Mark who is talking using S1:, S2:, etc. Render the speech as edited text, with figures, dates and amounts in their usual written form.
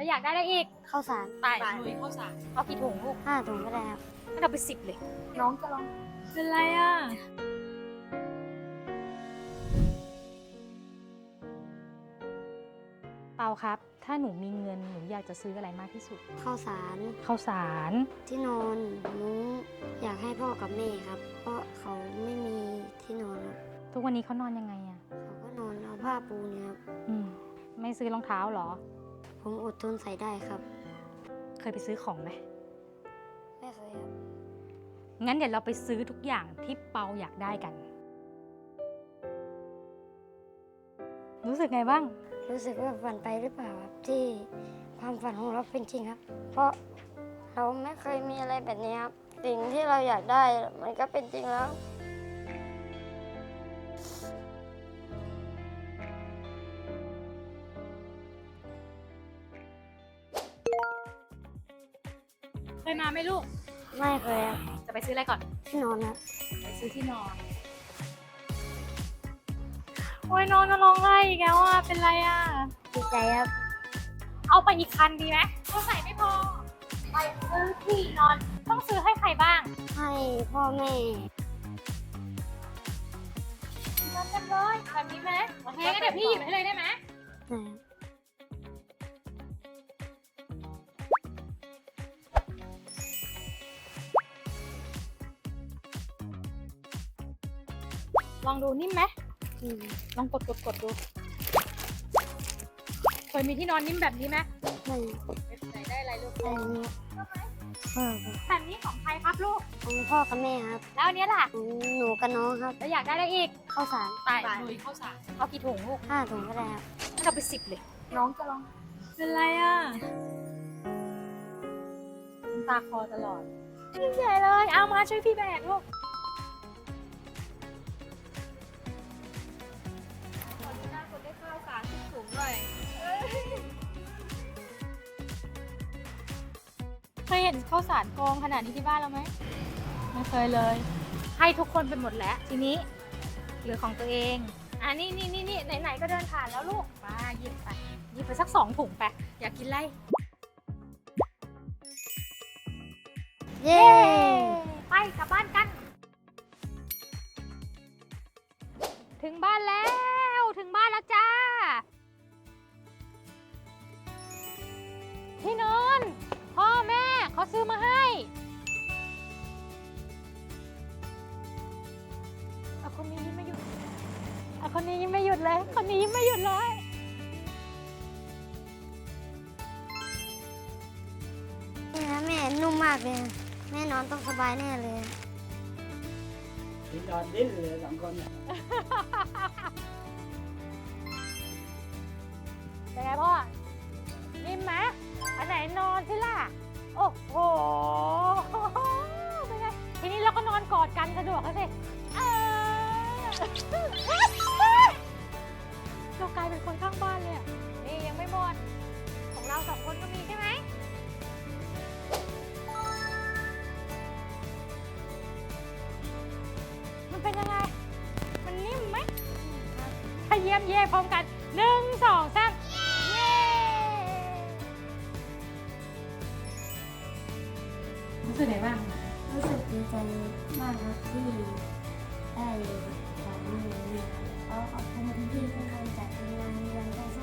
S1: อยากได้อะไรอีก
S2: ข้าวสาร
S1: ไปลุยข้าวสารเอากี่ถุงลูก
S2: 5 ถุงก็ได้ครับ
S1: งั้นเอาไป10เลยน้องจะลองเป็นไรอ่ะเปาครับถ้าหนูมีเงินหนูอยากจะซื้ออะไรมากที่สุด
S2: ข้าวสาร
S1: ข้าวสาร
S2: ที่นอนมุ้งอยากให้พ่อกับแม่ครับ เพราะเขาไม่มีที่นอนครับ
S1: ทุกวันนี้เขานอนยังไงอ่ะ
S2: เขาก็นอนเอาผ้าปูเนี่ยครับ
S1: ไม่ซื้อรองเท้าเหรอ
S2: ผมอดทนใส่ได้ครับ
S1: เคยไปซื้อของไหม
S2: ไม่เคยครับ
S1: งั้นเดี๋ยวเราไปซื้อทุกอย่างที่เปาอยากได้กัน รู้สึกไงบ้าง
S2: รู้สึกว่าฝันไปหรือเปล่าครับที่ความฝันของเราเป็นจริงครับ เพราะเราไม่เคยมีอะไรแบบนี้ครับสิ่งที่เราอยากได้มันก็เป็นจริงแล้ว
S1: เคยมาไหมลูก
S2: ไม่เคยครับ
S1: จะไปซื้ออะไรก่อน
S2: ที่นอนครับ
S1: ไปซื้อที่นอน โอ้ยนอนจะร้องไห้อีกแล้วอ่ะ เป็นไรอ่ะ
S2: ดีใจครับ
S1: เอาไปอีกคันดีไหมเขาใส่ไม่พอ ไปซื้อที่นอน ต้องซื้อให้ใครบ้าง
S2: ให้พ่อแม่
S1: นอนเต็มเลยแบบนี้ไหมโอเคงั้นเดี๋ยวพี่หยิบให้เลยได้ไหม
S2: นะครับ
S1: ลองดูนิ่มไหม
S2: อืม
S1: ลองกดดู เคยมีที่นอนนิ่มแบบนี้ไหม
S2: ไม่
S1: ไหนได้อะไรลูก
S2: แต่อันนี้พ่อครับ
S1: แบบนี้ของใครครับลูก
S2: ของพ่อกับแม่ครับ
S1: แล้วอันเนี้ยล่ะ
S2: ของหนูกับน้องครับ
S1: แล้วอยากได้อะไรอีก
S2: ข้าวสาร
S1: ไปลุยข้าวสารเอากี่ถุงลูก
S2: 5 ถุงก็ได้ครับ
S1: งั้นเอาไป10เลยน้องจะลองเป็นไรอ่ะน้ำตาคอตลอดยิ่งใหญ่เลยเอามาช่วยพี่แบกลูกขอดูหน้าคนได้ข้าวสารถุงหน่อยเคยเห็นข้าวสารกองขนาดนี้ที่บ้านเราไหมไม่เคยเลย ให้ทุกคนไปหมดแล้วทีนี้เหลือของตัวเองนี่ไหนๆก็เดินผ่านแล้วลูกมาหยิบไปสัก2 ถุงไปอยากกินอะไร
S2: เย้
S1: ไปกลับบ้านกัน ถึงบ้านแล้วจ้าที่นอนพ่อแม่เขาซื้อมาให้คนนี้ยิ้มไม่หยุดคนนี้ยิ้มไม่หยุดเลยคนนี้ยิ้มไม่หยุดเลย
S2: นี่นะแม่นุ่มมากเลยนะแม่นอนต้องสบายแน่เลย
S3: ที่นอนดิ้นเลย2 คนเนี่ย
S1: เป็นไงพ่อนิ่มไหมอันไหนนอนสิล่ะโอ้โหเป็นไงทีนี้เราก็นอนกอดกันสะดวกแล้วสิเรากลายเป็นคนข้างบ้านเลยอะนี่ยังไม่หมดของเรา2 คนก็มีใช่ไหมมันเป็นยังไงมันนิ่มไหมถ้าเยี่ยมเย่พร้อมกัน1 2 3เย้รู้สึกไงบ้าง
S2: รู้สึกดีใจมากครับที่ได้ของนี้ขอขอบคุณที่ทุกคนจัดงานวันข้าวส